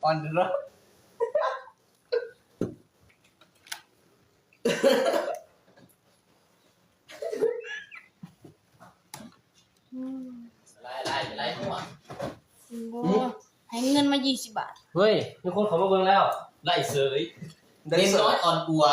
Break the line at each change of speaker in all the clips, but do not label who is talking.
on the road
ไล่หัว
ให้เงินมา20 บาท
เฮ้ยมีคนเขามาเบิ่งแล้ว
ไล่เสยเน้นน้อยอ่อนอัว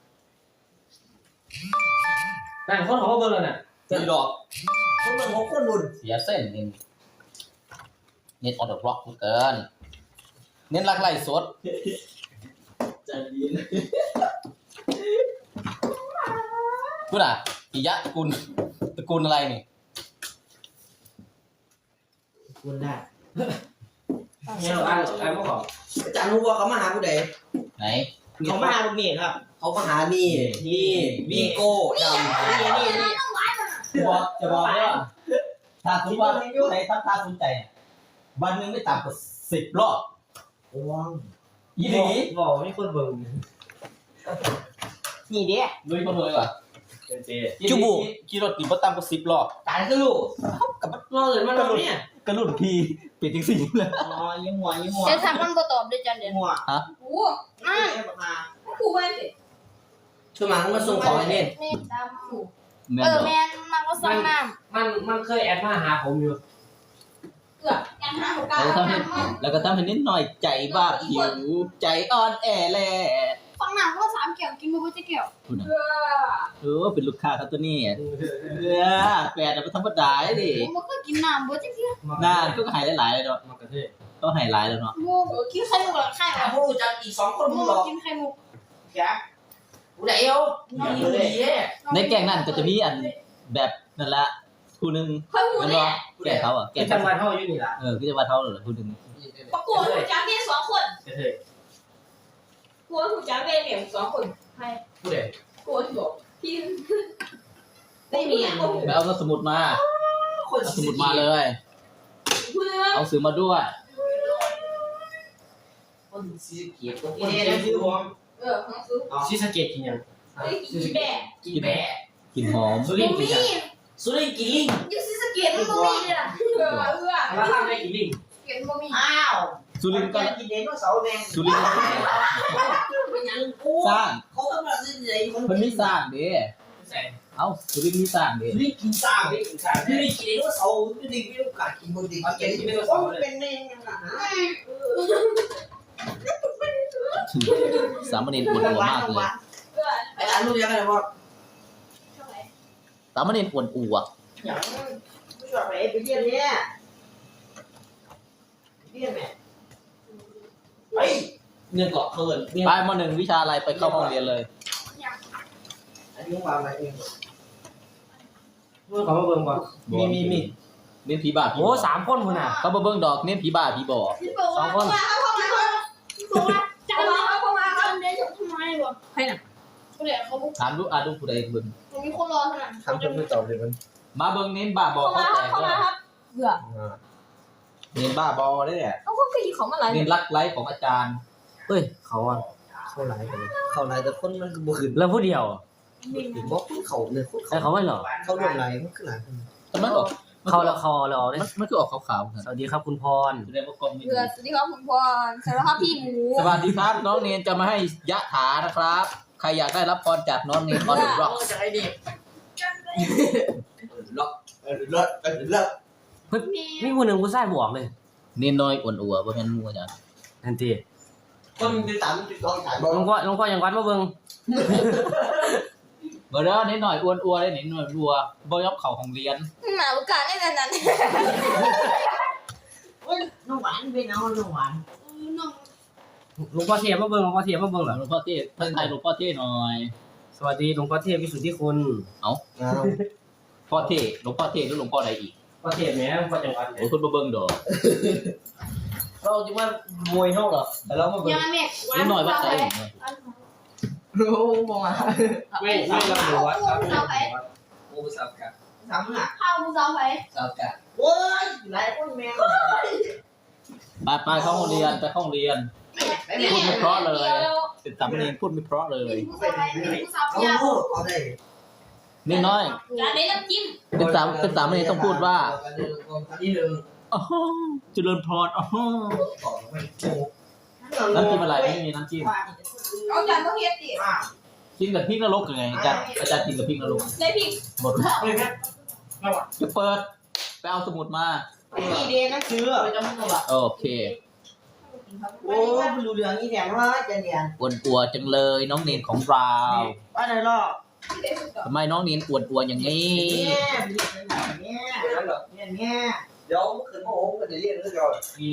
นั่นคนเขามาเบิ่งแล้วน่ะ
ตีดอก
คนมัน6คนบุญ
เสียเส้นเน้นออเดอร์บล็อกเกินเน้นรักไล่สด
จะดีนะ
พูดอ่ะปิยะตระกูลอะไรนี่
คุณได้
เนี่ยเราอ่านพวกเขา
อาจารย์รู้ว่าเขามาหาผู้ใด
ไหน
เขามาหาลูกนี่ครับเขามาหานี่วีโก้ดำนี่
จะบอกว่าถ้าสมมติว่าผู้ใดตั้งตาสนใจวันนึงไม่ต่ำกว่า10 รอบ
ว้าว
อีหลีบอกมีคนเบิ่ง
นี่เด้
ลุยคนเลยว่ะ
เจ
จุบุขี่รถตีบ่ต่ำกว่า10 รอบ
ตายก็ลูกกับรอเลยมันเราเนี่ย
กระลุ่นพีเป็นจังซี่เลย
อ๋อยิ้มหัว
เดี๋ยวถามมันบ่ตอบด้วยจันเดี๋ยว
หัว
โอ้นั่น
มา
ครูไว้สิ
ช่วยมามาส่งของไอ้เน่น
นี่ตามครู
แม่น
แม่นมันก็สั่งน้ำ
มันเคยแอดมาหาผมอยู่
เกือบกัน5 6
แล้วก็ทำให้นิดหน่อยใจบ้าผิวใจอ่อนแอแล
ฟังน้ำก็3 แก้วกินบ่เบิดจะแก้ว
เป็นลูกค้าเขาตัวนี้แฟนเป็นธรรมดาดิ
บ่เคยกินน้ำบ่จักเที่ย
น่าก็หายหลายๆเลยเนาะ
มากระเทศ
ก็หายหลายแล้วเนาะ
บ่กินไข่มุกหลังไข่
ถามผู้จักอีก2คนมึงหรอ
กินไข่มุก
แกผู้ใดเอาน้องเลย
ในแกงนั่นก็จะมีอันแบบนั่นละผู้นึง
ค่อยหู
มัน
แน่
ว่าแกงเขาอ่ะแก
แก
ง
จังหวัดเฮาอยู่นี่ล่ะ
ก็จะว่าเขาเหรอผู้นึง
ประกวดหูจักนี่2 คน
กระเทศ
กลัวหูจักเป็นเนี่ย2 คนใคร
ผู้ใด
กลัวที่บอกพี่
ไม่มีอ่ะ
ไปเอาสมุดมาเอาสมุดมาเลย
เพื่อ
เอาซื้อมาด้วย
คนสีเขียวตัวนี้นะคือผม
ของซื้อ
ซีสะเกตกินยัง
กินแบะ
กินแบะ
กลิ่นหอม
สุรินทร์กินยัง
สุรินกินลิง
อยู่ซีสะเกตมันบ่มีเลยล่ะ
แล้วข้างได้กินลิง
เกตบ่มี
อ้าว
สุรินทร์ก็
กินเดนว่าเสาแดง
สุรินทร์
เป็นยังกู
สร้าง
เขาต้องมาซื้อไหน
มันมีสร้างเด้
ใส่
เอ้าสุรินทร์มีสร้างเด้
สุรินกินสร้าง
ลิงกินข้าว
สุรินกินเดนว่าเสาสุรินไม่รู้การกินบนดินกินเป็นเน่ยังไง
สามเณรปวดหัวมากเลย
ไอ้อันรู้ยังไงว่า
สามเณรปวดอัว
อย่างไม่ชอบไปเรียนเนี่ยเรียนแม่ไปเงินเกาะเกิน
ไปมหนึ่งวิชาอะไรไปเข้าห้องเรียนเลย
อันนี้วางอะไรเอง
เมื่อเขามาเบิ่งก่อน
มี
เน้นผีบ้าผี
โอ้3 คนพุ่นน่ะ
เขาบ่เบิ่งดอกเน้นผีบ้าผีบ่
2 คน
จังหวะเข้ามาครับเดี๋ยวทำไมบ่ใครน่ะผู้ใดเขาบ่
ถามดูดูผู้ใดเบิ่ง
มีคนรอเท่านั้น
ทำจนไม่ตอบเลยมัน
มาเบิ่งเน้นบ้าบอเขาแตก
เข้า
เล
มาย ครับเบื่อ
เน้นบ้าบอได้แหละ
เอาก็คือของอะไร
เน้นรักไร้ของอาจารย์
เฮ้ยเขาอ่ะ
เข้าไหนกันเข้าไหนแต่คนมันก็บ่ขึ้น
แล้วผู้เดียว
บอกเขาเลยคน
ใช่เขาไม่หรอ
เขารวมไหนมันขึ้นหลัง
แต่มันออก
เขาแล้วเขาแล้วเนี่ย
มันคือออกขาวๆครับ
สวัสดีครับคุณพร
แสดงว่ากล้องไม่
เบื่
ดี
อสวัสดีครับคุณพรสวัสดีครับพี่หมู
สวัสดีครับน้องเนนจะมาให้ยะถานะครับ ใครอยากได้รับพรจากน้องเนนออนเดอะร็อก
จะไอ้ดิล็อกเลิก
มีคนหนึ่งกูใส่บวกเลย
เนนน้อยอ้วนอัวบ่แม่นหมู่อาจารย์
ทันที
คนที่ตามที่ต้องถ่ายบอ
หลวงพ่อยังวัดมาเบิ่ง
บ่เด้อเนนน้อยอ้วนอัวได้เนนน้อยอัวบ่ยอมเข้าห้องเรียน
หนาโอกาสได้นั้น
น้องหวานเป็นเอาน้องหวาน
น้อง
หลวงพ่อเทียบมาเบิ่งหลวงพ่อเทียบมาเบิ่งเหรอ
หลวงพ่อเทศท่านไทยหลวงพ่อเทศหน่อย
สวัสดีหลวงพ่อเทียบวิสุทธิคุณ
พ่อเทศหลวงพ่อเทศหรือหลวงพ่อใดอีก
พ่อเทียบแม่พ่อจังหวัด
โอ้ยคนบ่เบิ่งดอก
เราจะมามวยเขาเหรอแต่เรามาเบิ่ง
ยังแม่
เนนน้อยวัดไสนี่
โอ้มองมา
ไม่รับหลวงวัดครับ
โอ้สับกันทำอ่ะ
ข้าวผู้สาวไป
สับกันโอ้ยหลายคนแมว
ไปเข้าห้องเรียนไปเข้าห้องเรียน พูดไม่เพราะเลย เป็นสามเณรพูดไม่เพราะเลย
ผู้สาว
เอา
เพีย
เอาได้
เนนน้อย
การได้น้ำจิ้ม
เป็นสามเณรต้องพูดว่า
อันที่หนึ่ง
อ๋อเจริญพรอ๋อ
ต่อไปโอ้
มีน้ำจิ้ม
เอาจานต้องเฮ็ดดิ
กินกับพริกนรกยังไงอาจารย์กินกับพริกนรก
ได้พริก
หมดจะเปิดไปเอาสมุดมา
นี่เดนนะคือ
โอเค
โอ้ดูเรื่องนี้แถมว่าจะเรียน
อ้วนอัวจังเลยน้องเนนของเรา
ว่าไหนหรอ
ทำไมน้องเนนอ้วนอัวอย่างนี้
เนี่ยเดี๋ยวขึ้นโอ้โหก็จะเรียนเรื่องเรา
นี่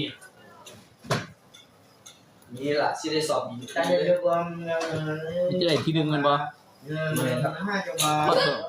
นี่แหละที่ได้สอบการเรียนความ
จะได้ที่ดึงมันบ่
5จังหวะ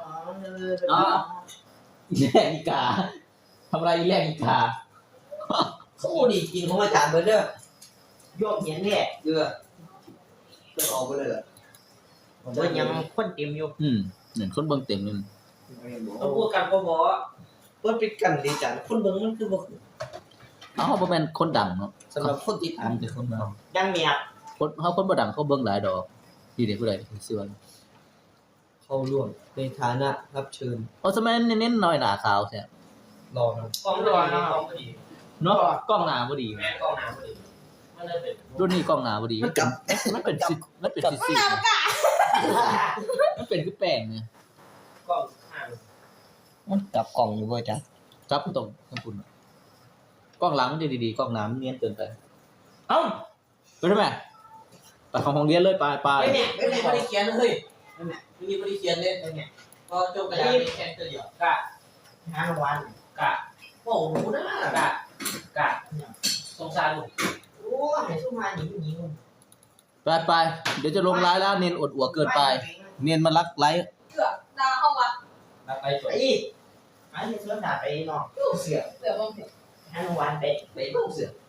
แย่อีกาทำไรแย่อีกา
เขาดีกินของอาจารย์เบอร์เด้อยกเห็นเนี่ยเดือก็ออกไปเลยเหรอผมว่ายังคนเต็มอยู่
เหมือนคนเบิ่งเต็มเลย
ต้องพูดกันพอว่าเป็นกันดีจังคนเบิ่งมันคือบ่
เอ้าบ่แม่นคนดังเนาะ
สำหรับคนติด
ถามแต่คนดัง
ยังเมีย
คนบ่ดังเขาเบิ่งหลายดอกที่เด็กผู้ใดซื้อว่า
เข้าร่วมในฐานะรับเชิญ
สมัยนั้นเน้นๆหน่อยหน้าขาวแท้
รอครับ
กล้องตัวนะกล้องพอดี
เนาะกล้องหน้าบ่ดี
แม่กล้องน้ำพอดีมันเลยเป็น
รุ่นนี้กล้องหน้าบ่ดีมันเป็นซิมันเป็นคือแป้งเนี่ย
กล้องห่าง
มันกลับกล่องอยู่บ่จ๊ะ
จับตรงทั้งคุณกล้องหลังมันจะดีๆกล้องหน้ามันเนียนเกินไปเอ้าไปทำไมไปของโรงเรียนเลยไป
ไม่ได้เขียนเลยไม่ได้เขียนเลยเนี่ยก็จบกระดาษแค่ตัวเดียว
กะ
5 วัน
กะ
โอ้โหนะ
กะสงสารลูก
โอ้ยสู้มาหนี
ไปเดี๋ยวจะลงไลน์แล้วเนียนอดอัวเกินไป เนียนมารักไลฟ์
เกือบดาวเข้าวัด
รักไปจบ
ไอ้เสื้อหนาไปเนาะเสือ
เสือบ้างเถอะ
5 วันไปเพิ่งเสือ